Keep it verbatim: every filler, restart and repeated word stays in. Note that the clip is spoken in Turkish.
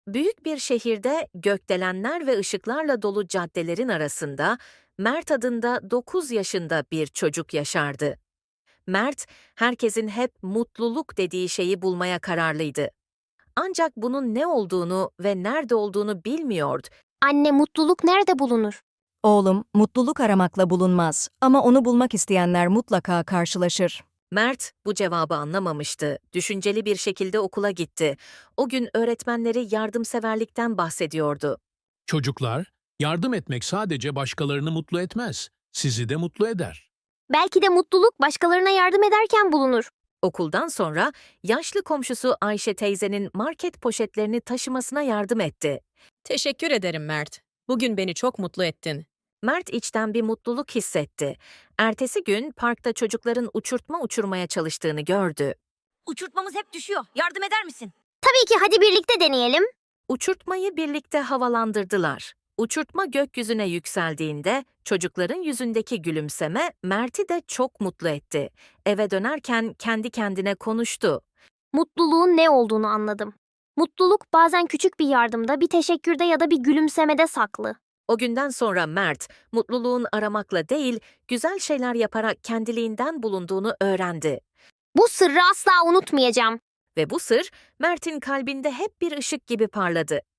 Büyük bir şehirde gökdelenler ve ışıklarla dolu caddelerin arasında Mert adında dokuz yaşında bir çocuk yaşardı. Mert, herkesin hep mutluluk dediği şeyi bulmaya kararlıydı. Ancak bunun ne olduğunu ve nerede olduğunu bilmiyordu. Anne, mutluluk nerede bulunur? Oğlum, mutluluk aramakla bulunmaz ama onu bulmak isteyenler mutlaka karşılaşır. Mert bu cevabı anlamamıştı. Düşünceli bir şekilde okula gitti. O gün öğretmenleri yardımseverlikten bahsediyordu. Çocuklar, yardım etmek sadece başkalarını mutlu etmez, sizi de mutlu eder. Belki de mutluluk başkalarına yardım ederken bulunur. Okuldan sonra yaşlı komşusu Ayşe teyzenin market poşetlerini taşımasına yardım etti. Teşekkür ederim Mert. Bugün beni çok mutlu ettin. Mert içten bir mutluluk hissetti. Ertesi gün parkta çocukların uçurtma uçurmaya çalıştığını gördü. Uçurtmamız hep düşüyor. Yardım eder misin? Tabii ki, hadi birlikte deneyelim. Uçurtmayı birlikte havalandırdılar. Uçurtma gökyüzüne yükseldiğinde çocukların yüzündeki gülümseme Mert'i de çok mutlu etti. Eve dönerken kendi kendine konuştu. Mutluluğun ne olduğunu anladım. Mutluluk bazen küçük bir yardımda, bir teşekkürde ya da bir gülümsemede saklı. O günden sonra Mert, mutluluğun aramakla değil, güzel şeyler yaparak kendiliğinden bulunduğunu öğrendi. Bu sırrı asla unutmayacağım. Ve bu sır, Mert'in kalbinde hep bir ışık gibi parladı.